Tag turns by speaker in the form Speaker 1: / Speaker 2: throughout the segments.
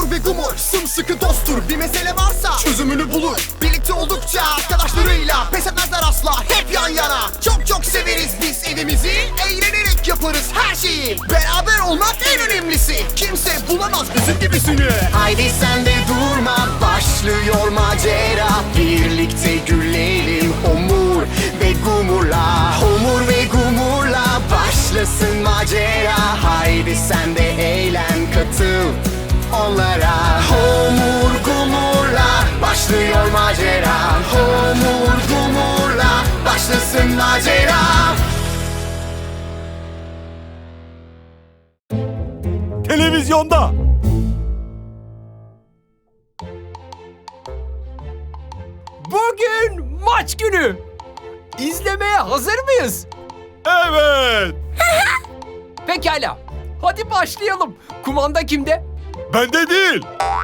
Speaker 1: Homur ve Gumur sımsıkı dosttur. Bir mesele varsa çözümünü bulur. Birlikte oldukça arkadaşlarıyla pes etmezler asla, hep yan yana. Çok çok severiz biz evimizi, eğlenerek yaparız her şeyi. Beraber olmak en önemlisi, kimse bulamaz bizim gibisini. Haydi sen de durma, başlıyor macera. Birlikte gülelim Homur ve Gumur'la. Homur ve Gumur'la başlasın macera. Haydi sen de eğlen, katıl onlara. Homur Gumur'la başlıyor macera. Homur Gumur'la başlasın macera.
Speaker 2: Televizyonda.
Speaker 3: Bugün maç günü. İzlemeye hazır mıyız?
Speaker 2: Evet.
Speaker 3: Pekala. Hadi başlayalım. Kumanda kimde?
Speaker 2: Bende değil.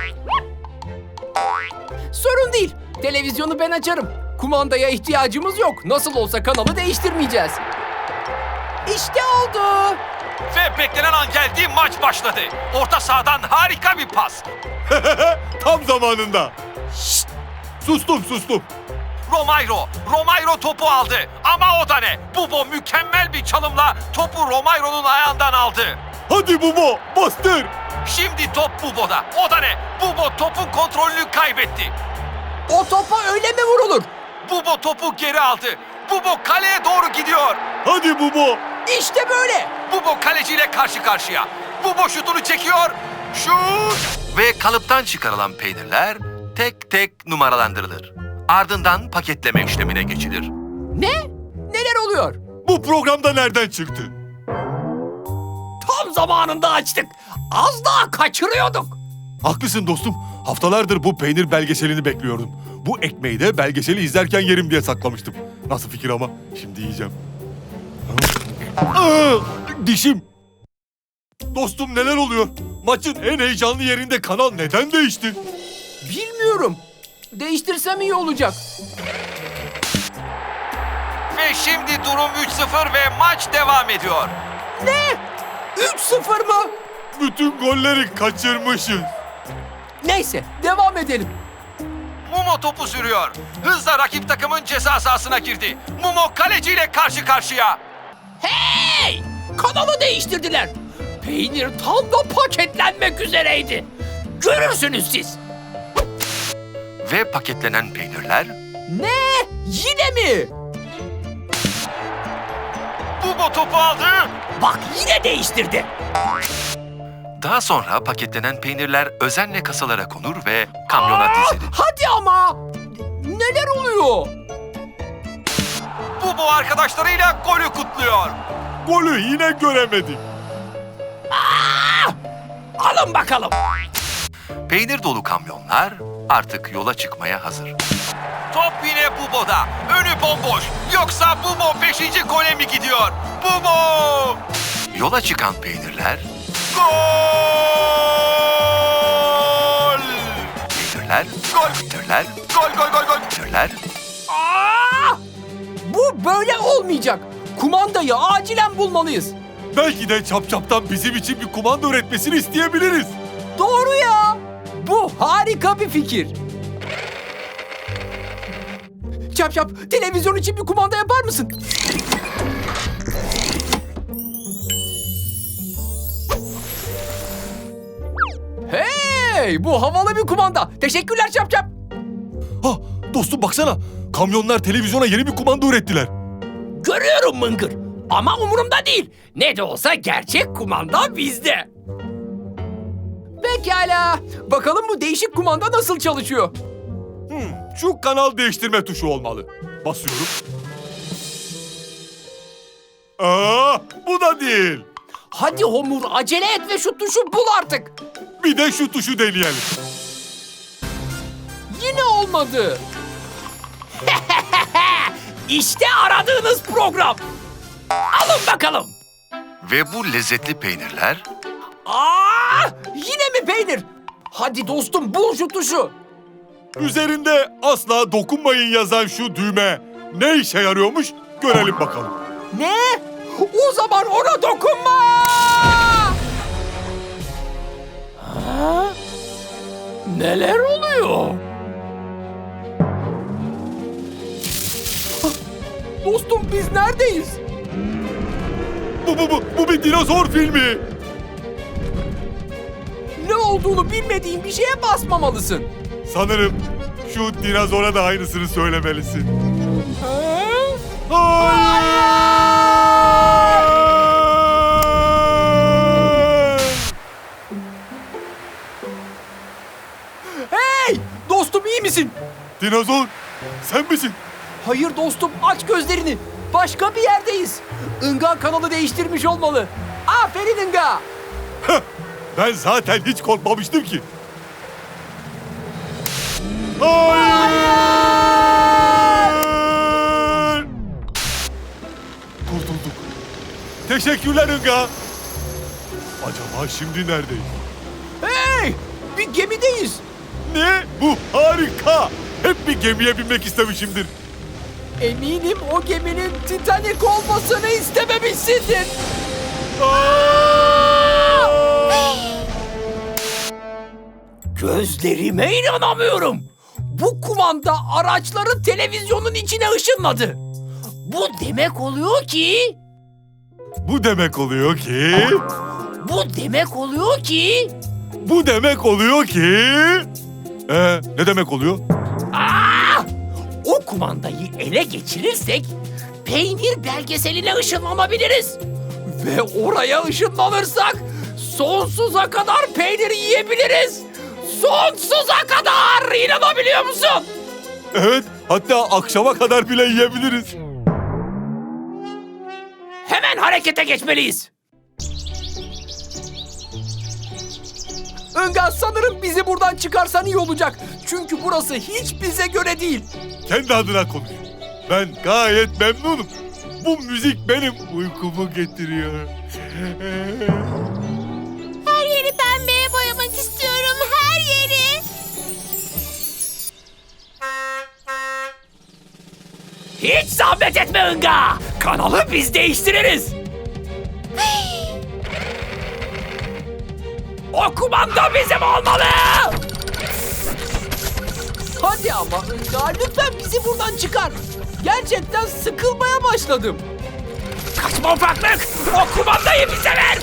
Speaker 3: Sorun değil. Televizyonu ben açarım. Kumandaya ihtiyacımız yok. Nasıl olsa kanalı değiştirmeyeceğiz. İşte oldu.
Speaker 4: Ve beklenen an geldi, maç başladı. Orta sahadan harika bir pas.
Speaker 2: Tam zamanında. Şşt! Sustum.
Speaker 4: Romairo topu aldı. Ama o da ne? Bubo mükemmel bir çalımla topu Romairo'nun ayağından aldı.
Speaker 2: Hadi Bubo, bastır.
Speaker 4: Şimdi top Bubo'da. O da ne? Bubo topun kontrolünü kaybetti.
Speaker 3: O topa öyle mi vurulur?
Speaker 4: Bubo topu geri aldı. Bubo kaleye doğru gidiyor.
Speaker 2: Hadi Bubo.
Speaker 3: İşte böyle.
Speaker 4: Bubo kaleciyle karşı karşıya. Bubo şutunu çekiyor. Şut! Ve kalıptan çıkarılan peynirler tek tek numaralandırılır. Ardından paketleme işlemine geçilir.
Speaker 3: Ne? Neler oluyor?
Speaker 2: Bu programda nereden çıktı?
Speaker 3: Tam zamanında açtık. Az daha kaçırıyorduk.
Speaker 2: Haklısın dostum. Haftalardır bu peynir belgeselini bekliyordum. Bu ekmeği de belgeseli izlerken yerim diye saklamıştım. Nasıl fikir ama? Şimdi yiyeceğim. Aa, dişim. Dostum neler oluyor? Maçın en heyecanlı yerinde kanal neden değişti?
Speaker 3: Bilmiyorum. Değiştirsem iyi olacak.
Speaker 4: Ve şimdi durum 3-0 ve maç devam ediyor.
Speaker 3: Ne? 3-0 mı?
Speaker 2: Bütün golleri kaçırmışız.
Speaker 3: Neyse, devam edelim.
Speaker 4: Mumo topu sürüyor. Hızla rakip takımın ceza sahasına girdi. Mumo kaleciyle karşı karşıya.
Speaker 3: Hey! Kanalı değiştirdiler. Peynir tam da paketlenmek üzereydi. Görürsünüz siz.
Speaker 4: Ve paketlenen peynirler
Speaker 3: Ne? Yine mi?
Speaker 4: Bubo topu aldı.
Speaker 3: Bak yine değiştirdi.
Speaker 4: Daha sonra paketlenen peynirler özenle kasalara konur ve kamyona dizilir.
Speaker 3: Hadi ama. Neler oluyor?
Speaker 4: Bubo arkadaşlarıyla golü kutluyor.
Speaker 2: Golü yine göremedik.
Speaker 3: Alın bakalım.
Speaker 4: Peynir dolu kamyonlar artık yola çıkmaya hazır. Top yine Bubo'da. Önü bomboş. Yoksa Bubo 5. gole mi gidiyor? Bubo! Yola çıkan peynirler... Gol! Peynirler... Gol! Peynirler... Gol! Peynirler...
Speaker 3: Bu böyle olmayacak. Kumandayı acilen bulmalıyız.
Speaker 2: Belki de Çapçap'tan bizim için bir kumanda üretmesini isteyebiliriz.
Speaker 3: Doğru ya. Bu harika bir fikir. Çap çap, televizyon için bir kumanda yapar mısın? Hey, bu havalı bir kumanda. Teşekkürler Çap çap.
Speaker 2: Ha, dostum baksana. Kamyonlar televizyona yeni bir kumanda ürettiler.
Speaker 3: Görüyorum Mıngır. Ama umurumda değil. Ne de olsa gerçek kumanda bizde. Pekala. Bakalım bu değişik kumanda nasıl çalışıyor?
Speaker 2: Şu kanal değiştirme tuşu olmalı. Basıyorum. Bu da değil.
Speaker 3: Hadi Homur, acele et ve şu tuşu bul artık.
Speaker 2: Bir de şu tuşu deneyelim.
Speaker 3: Yine olmadı. İşte aradığınız program. Alın bakalım.
Speaker 4: Ve bu lezzetli peynirler...
Speaker 3: Yine mi peynir? Hadi dostum bul şu tuşu.
Speaker 2: Üzerinde asla dokunmayın yazan şu düğme ne işe yarıyormuş görelim bakalım.
Speaker 3: Ne? O zaman ona dokunma! Neler oluyor? Dostum biz neredeyiz?
Speaker 2: Bu bir dinozor filmi.
Speaker 3: Ne olduğunu bilmediğin bir şeye basmamalısın.
Speaker 2: Sanırım şu dinozora da aynısını söylemelisin.
Speaker 3: Ha? Hey! Dostum iyi misin?
Speaker 2: Dinozor, sen misin?
Speaker 3: Hayır dostum aç gözlerini. Başka bir yerdeyiz. Inga kanalı değiştirmiş olmalı. Aferin Inga.
Speaker 2: Ben zaten hiç korkmamıştım ki. Hayır! Kurtulduk. Teşekkürler Inga. Acaba şimdi neredeyiz?
Speaker 3: Hey! Bir gemideyiz.
Speaker 2: Ne? Bu harika. Hep bir gemiye binmek istemişimdir.
Speaker 3: Eminim o geminin Titanic olmasını istememişsindir. Gözlerime inanamıyorum. Bu kumanda araçları televizyonun içine ışınladı. Bu demek oluyor ki...
Speaker 2: Bu demek oluyor ki... Bu demek oluyor ki... Ne demek oluyor?
Speaker 3: O kumandayı ele geçirirsek peynir belgeseline ışınlanabiliriz. Ve oraya ışınlanırsak sonsuza kadar peynir yiyebiliriz. Sonsuza kadar! İnanabiliyor musun?
Speaker 2: Evet, hatta akşama kadar bile yiyebiliriz.
Speaker 3: Hemen harekete geçmeliyiz. Inga sanırım bizi buradan çıkarsan iyi olacak. Çünkü burası hiç bize göre değil.
Speaker 2: Kendi adına konuş. Ben gayet memnunum. Bu müzik benim uykumu getiriyor.
Speaker 5: Her yeri pembeye boyamak istiyorum, her yeri.
Speaker 3: Hiç zahmet etme Inga. Kanalı biz değiştiririz. O kumanda bizim olmalı. Hadi ama Inga lütfen bizi buradan çıkar. Gerçekten sıkılmaya başladım. Kaçma ufaklık. O kumandayı bize ver.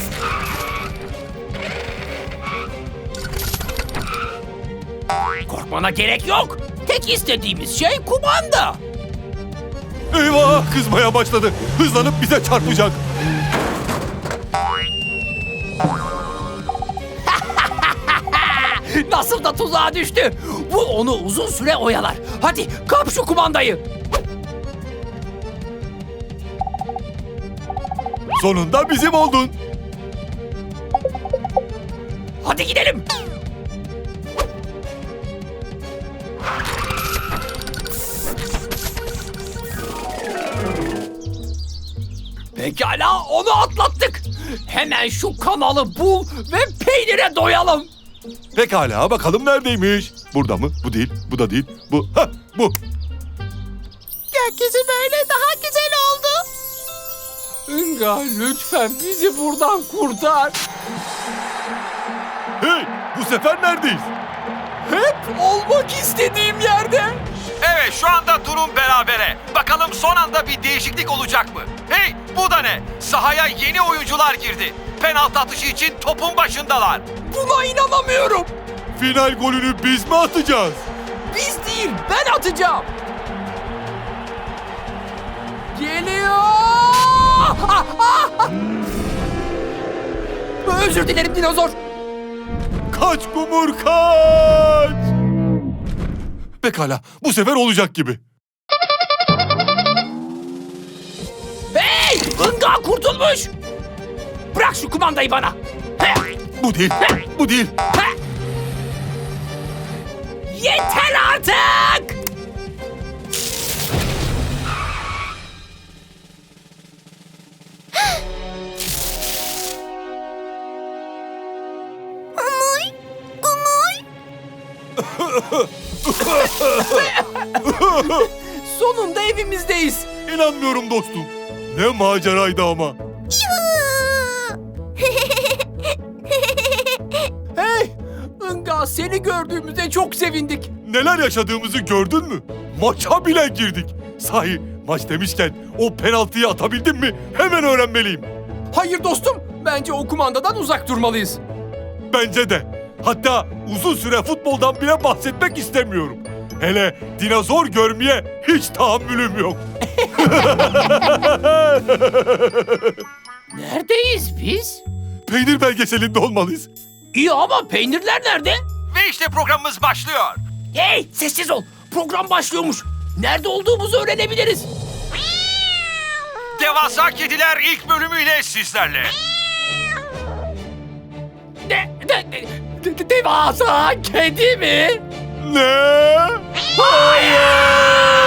Speaker 3: Korkmana gerek yok. Tek istediğimiz şey kumanda.
Speaker 2: Eyvah, kızmaya başladı. Hızlanıp bize çarpacak.
Speaker 3: Nasıl da tuzağa düştü. Bu onu uzun süre oyalar. Hadi kap şu kumandayı.
Speaker 2: Sonunda bizim oldun.
Speaker 3: Hadi gidelim. Pekala onu atlattık. Hemen şu kanalı bul ve peynire doyalım.
Speaker 2: Pekala, bakalım neredeymiş? Burada mı? Bu değil, bu da değil. Bu, bu.
Speaker 5: Gökyüzü böyle daha güzel oldu.
Speaker 3: Inga lütfen bizi buradan kurtar.
Speaker 2: Hey, bu sefer neredeyiz?
Speaker 3: Hep olmak istediğim yerde.
Speaker 4: Evet, şu anda durum berabere. Bakalım son anda bir değişiklik olacak mı? Hey, bu da ne? Sahaya yeni oyuncular girdi. Penaltı atışı için topun başındalar.
Speaker 3: Buna inanamıyorum.
Speaker 2: Final golünü biz mi atacağız?
Speaker 3: Biz değil, ben atacağım. Geliyor. Özür dilerim dinozor.
Speaker 2: Kaç Kumur, kaç! Pekala, bu sefer olacak gibi.
Speaker 3: Hey! Inga kurtulmuş. Bırak şu kumandayı bana.
Speaker 2: Bu değil, bu değil.
Speaker 3: Yeter artık.
Speaker 5: Umuy, umuy.
Speaker 3: Sonunda evimizdeyiz.
Speaker 2: İnanmıyorum dostum. Ne maceraydı ama.
Speaker 3: Hey! Inga Hatta seni gördüğümüzde çok sevindik.
Speaker 2: Neler yaşadığımızı gördün mü? Maça bile girdik. Sahi maç demişken o penaltıyı atabildin mi? Hemen öğrenmeliyim.
Speaker 3: Hayır dostum, bence o kumandadan uzak durmalıyız.
Speaker 2: Bence de. Hatta uzun süre futboldan bile bahsetmek istemiyorum. Hele dinozor görmeye hiç tahammülüm yok.
Speaker 3: Neredeyiz biz?
Speaker 2: Peynir belgeselinde olmalıyız.
Speaker 3: İyi ama peynirler nerede?
Speaker 4: Ve işte programımız başlıyor.
Speaker 3: Hey, sessiz ol. Program başlıyormuş. Nerede olduğumuzu öğrenebiliriz.
Speaker 4: Devasa Kediler ilk bölümüyle sizlerle.
Speaker 3: Devasa kedi mi?
Speaker 2: Ne? Hayır!